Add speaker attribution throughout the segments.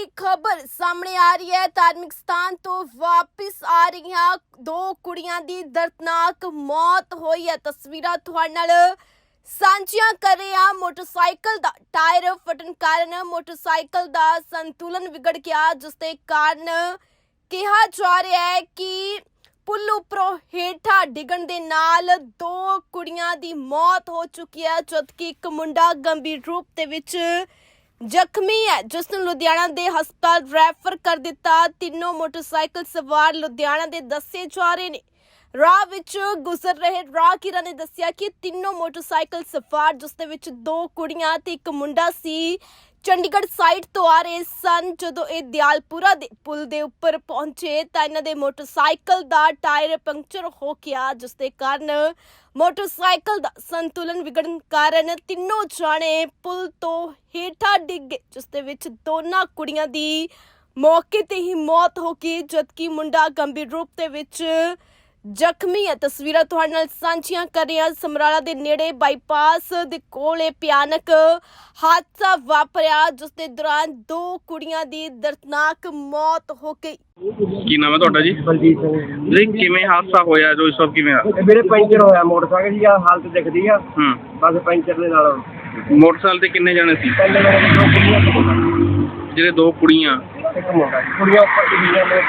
Speaker 1: ਵੱਡੀ ਖਬਰ ਸਾਹਮਣੇ ਆ ਰਹੀ ਹੈ। ਧਾਰਮਿਕ ਸਥਾਨ ਤੋਂ ਵਾਪਿਸ ਆ ਰਹੀਆਂ ਦੋ ਕੁੜੀਆਂ ਦੀ ਦਰਦਨਾਕ ਮੌਤ ਹੋਈ ਹੈ। ਤਸਵੀਰਾਂ ਤੁਹਾਡੇ ਨਾਲ ਸਾਂਝੀਆਂ ਕਰ ਰਹੇ ਹਾਂ। ਮੋਟਰਸਾਈਕਲ ਦਾ ਟਾਇਰ ਫਟਣ ਕਾਰਨ ਮੋਟਰਸਾਈਕਲ ਦਾ ਸੰਤੁਲਨ ਵਿਗੜ ਗਿਆ, ਜਿਸ ਦੇ ਕਾਰਨ ਕਿਹਾ ਜਾ ਰਿਹਾ ਹੈ ਕਿ ਪੁਲ ਉੱਪਰੋਂ ਹੇਠਾਂ ਡਿੱਗਣ ਦੇ ਨਾਲ ਦੋ ਕੁੜੀਆਂ ਦੀ ਮੌਤ ਹੋ ਚੁੱਕੀ ਹੈ, ਜਦਕਿ ਇੱਕ ਮੁੰਡਾ ਗੰਭੀਰ ਰੂਪ ਦੇ ਵਿੱਚ ਜ਼ਖਮੀ ਹੈ, ਜਿਸ ਨੂੰ ਲੁਧਿਆਣਾ ਦੇ ਹਸਪਤਾਲ ਰੈਫਰ ਕਰ ਦਿੱਤਾ। ਤਿੰਨੋਂ ਮੋਟਰਸਾਈਕਲ ਸਵਾਰ ਲੁਧਿਆਣਾ ਦੇ ਦੱਸੇ ਜਾ ਰਹੇ ਨੇ। ਰਾਹ ਵਿੱਚ ਗੁਜ਼ਰ ਰਹੇ ਰਾਹਗੀਰਾਂ ਨੇ ਦੱਸਿਆ ਕਿ ਤਿੰਨੋਂ ਮੋਟਰਸਾਈਕਲ ਸਵਾਰ, ਜਿਸ ਦੇ ਵਿੱਚ ਦੋ ਕੁੜੀਆਂ ਤੇ ਇੱਕ ਮੁੰਡਾ ਸੀ, ਚੰਡੀਗੜ੍ਹ ਸਾਈਡ ਤੋਂ ਆ ਰਹੇ ਸਨ। ਜਦੋਂ ਇਹ ਦਿਆਲਪੁਰਾ ਦੇ ਪੁਲ ਦੇ ਉੱਪਰ ਪਹੁੰਚੇ ਤਾਂ ਇਹਨਾਂ ਦੇ ਮੋਟਰਸਾਈਕਲ ਦਾ ਟਾਇਰ ਪੰਕਚਰ ਹੋ ਗਿਆ, ਜਿਸ ਦੇ ਕਾਰਨ ਮੋਟਰਸਾਈਕਲ ਦਾ ਸੰਤੁਲਨ ਵਿਗੜਨ ਕਾਰਨ ਤਿੰਨੋਂ ਜਾਣੇ ਪੁਲ ਤੋਂ ਹੇਠਾਂ ਡਿੱਗ ਗਏ, ਜਿਸ ਦੇ ਵਿੱਚ ਦੋਨਾਂ ਕੁੜੀਆਂ ਦੀ ਮੌਕੇ ਤੇ ਹੀ ਮੌਤ ਹੋ ਗਈ, ਜਦਕਿ ਮੁੰਡਾ ਗੰਭੀਰ ਰੂਪ ਦੇ ਵਿੱਚ ਜ਼ਖਮੀ ਹੈ। ਤਸਵੀਰਾਂ ਤੁਹਾਡੇ ਨਾਲ ਸਾਂਝੀਆਂ ਕਰ ਰਹੇ ਹਾਂ। ਸਮਰਾਲਾ ਦੇ ਨੇੜੇ ਬਾਈਪਾਸ ਦੇ ਕੋਲ ਇਹ ਭਿਆਨਕ ਹਾਦਸਾ ਵਾਪਰਿਆ, ਜਿਸ ਦੇ ਦੌਰਾਨ ਦੋ ਕੁੜੀਆਂ ਦੀ ਦਰਦਨਾਕ ਮੌਤ ਹੋ ਗਈ।
Speaker 2: ਕੀ ਨਾਮ ਹੈ ਤੁਹਾਡਾ ਜੀ?
Speaker 3: ਬਲਜੀਤ ਸਿੰਘ
Speaker 2: ਜੀ ਕਿਵੇਂ ਹਾਦਸਾ ਹੋਇਆ ਜੋ ਇਸ ਵਕਤ ਕਿਵੇਂ ਆ?
Speaker 3: ਮੇਰੇ ਪੈਂਚਰ ਹੋਇਆ ਮੋਟਰਸਾਈਕਲ ਦੀ ਹਾਲਤ ਦਿਖਦੀ ਆ। ਬਸ ਪੈਂਚਰ ਦੇ ਨਾਲ
Speaker 2: ਮੋਟਰਸਾਈਕਲ ਤੇ ਕਿੰਨੇ ਜਣੇ ਸੀ?
Speaker 3: ਪਹਿਲੇ ਮੇਰੇ ਦੋ ਕੁੜੀਆਂ
Speaker 2: ਜਿਹੜੇ ਦੋ ਕੁੜੀਆਂ
Speaker 3: ਇੱਕ ਮੁੰਡਾ, ਕੁੜੀਆਂ ਉੱਪਰ ਡਿੱਗੀਆਂ ਨੇ,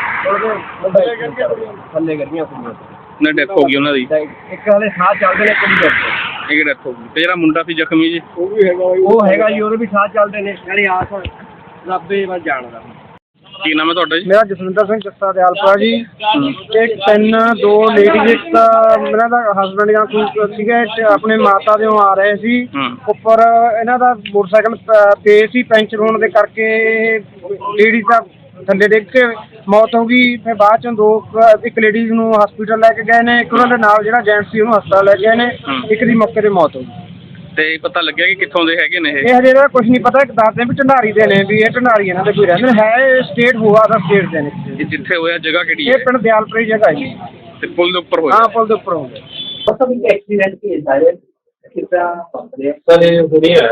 Speaker 3: ਉਹਦੇ ਥੱਲੇ ਗਈਆਂ ਕੁੜੀਆਂ
Speaker 2: ਨੇ, ਡੈਥ ਹੋ ਗਈ ਉਹਨਾਂ ਦੀ।
Speaker 3: ਇੱਕ ਹਾਲੇ ਸਾਹ ਚੱਲਦੇ ਨੇ, ਕੁੜੀ ਦੇ
Speaker 2: ਇੱਕ ਡੈਥ ਹੋ ਗਈ। ਤੇ ਜਿਹੜਾ ਮੁੰਡਾ ਸੀ ਜ਼ਖਮੀ ਜੀ?
Speaker 3: ਉਹ ਹੈਗਾ ਜੀ, ਉਹਦੇ ਵੀ ਸਾਹ ਚੱਲਦੇ ਨੇ। ਨਾਲੇ ਆਸ ਰੱਬੇ ਵੱਲ ਜਾਣਦਾ।
Speaker 2: ਕੀ ਨਾਮ ਹੈ ਤੁਹਾਡਾ ਜੀ?
Speaker 3: ਮੇਰਾ ਜਸਵਿੰਦਰ ਸਿੰਘ ਜੱਸਾ ਦਿਆਲਪੁਰਾ ਜੀ। ਇੱਕ ਦੋ ਲੇਡੀਜ਼, ਇੱਕ ਇਹਨਾਂ ਦਾ ਹਸਬੈਂਡ ਜਾਂ ਕੋਈ ਸੀਗੇ, ਆਪਣੇ ਮਾਤਾ ਦੇ ਆ ਰਹੇ ਸੀ। ਉੱਪਰ ਇਹਨਾਂ ਦਾ ਮੋਟਰਸਾਈਕਲ ਤੇ ਸੀ, ਪੈਂਚਰ ਹੋਣ ਦੇ ਕਰਕੇ ਲੇਡੀਜ਼ ਦਾ ਥੱਲੇ ਡਿੱਗ ਕੇ ਮੌਤ ਹੋ ਗਈ। ਫਿਰ ਬਾਅਦ ਚੋਂ ਇੱਕ ਲੇਡੀਜ਼ ਨੂੰ ਹਸਪੀਟਲ ਲੈ ਕੇ ਗਏ ਨੇ, ਇੱਕ ਉਹਨਾਂ ਦੇ ਨਾਲ ਜਿਹੜਾ ਜੈਂਟਸ ਸੀ ਉਹਨੂੰ ਹਸਪਤਾਲ ਲੈ ਗਏ ਨੇ। ਇੱਕ ਦੀ ਮੌਕੇ ਤੇ ਮੌਤ ਹੋ ਗਈ।
Speaker 2: ਤੇ ਪਤਾ ਲੱਗਿਆ ਕਿ ਕਿੱਥੋਂ ਦੇ ਹੈਗੇ ਨੇ ਇਹ?
Speaker 3: ਇਹ ਹਜੇ ਇਹਦਾ ਕੁਝ ਨਹੀਂ ਪਤਾ। ਦੱਸਦੇ ਵੀ ਢੰਡਾਰੀ ਦੇ ਨੇ, ਵੀ ਇਹ ਢੰਡਾਰੀ ਇਹਨਾਂ ਦੇ ਕੋਈ ਰਹਿੰਦੇ ਹੈ। ਸਟੇਟ ਹੋਆ ਦਾ ਸਟੇਟ ਦੇ ਨੇ।
Speaker 2: ਇਹ ਜਿੱਥੇ ਹੋਇਆ ਜਗ੍ਹਾ ਕਿਹੜੀ ਹੈ?
Speaker 3: ਇਹ ਪਿੰਡ ਦਿਆਲਪੁਰੀ ਜਗ੍ਹਾ ਹੈ ਜੀ।
Speaker 2: ਤੇ ਪੁਲ ਦੇ ਉੱਪਰ ਹੋਇਆ?
Speaker 3: ਹਾਂ, ਪੁਲ ਦੇ ਉੱਪਰ ਹੋ ਗਿਆ।
Speaker 4: मतलब एक एक्सीडेंट केस है कितना सर ये हुई है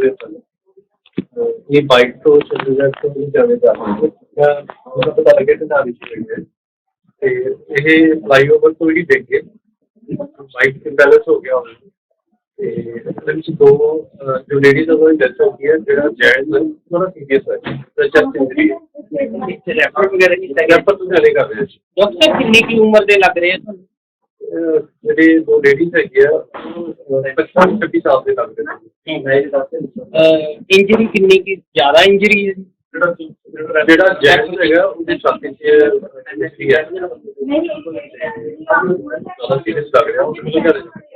Speaker 4: ये बाइक तो चंडीगढ़ ਤੋਂ ਹੀ ਜਾਵੇ ਜਾ ਰਹੀ ਹੈ। ਉਹਦਾ ਪਤਾ ਲੱਗਿਆ ਕਿ ਨਾਲ ਹੀ ਹੈ ਤੇ ਇਹ ਫਲਾਈਓਵਰ ਤੋਂ ਹੀ ਡਿੱਗ ਗਏ। ਬਾਈਕ ਇੰਬੈਲੈਂਸ ਹੋ ਗਿਆ ਉਹਦਾ ਤੇ ਇਹਦੇ ਵਿੱਚ ਦੋ ਜੋ ਲੇਡੀਜ਼ ਉਹਨਾਂ ਦੀ ਡੈਥ ਹੋ ਗਈ ਹੈ। ਜਿਹੜਾ ਜੈਂਟਸ ਥੋੜਾ ਸੀਰੀਅਸ ਹੈ, ਚੈਸਟ ਇੰਜਰੀ ਹੈ। ਰੈਫਰ ਵਗੈਰਾ ਕੀਤਾ ਗਿਆ, ਪਰ ਤੁਸੀਂ ਹਲੇ ਕਰ ਰਹੇ ਸੀ। ਡਾਕਟਰ ਕਿੰਨੀ ਕੀ ਉਮਰ ਦੇ ਲੱਗ ਰਹੇ ਆ ਤੁਹਾਨੂੰ? ਜਿਹੜੇ ਦੋ ਲੇਡੀਜ਼ ਹੈਗੇ ਆ 25-26 ਸਾਲ ਦੇ ਲੱਗਦੇ ਨੇ। ਇੰਜਰੀ ਕਿੰਨੀ ਕੀ ਜ਼ਿਆਦਾ ਇੰਜਰੀ ਹੈ? ਜਿਹੜਾ ਜੈਕਸ ਹੈਗਾ ਉਹਦੀ ਛਾਤੀ 'ਚ ਇੰਜਰੀ ਹੈ, ਜ਼ਿਆਦਾ ਸੀਰੀਅਸ ਲੱਗ ਰਿਹਾ।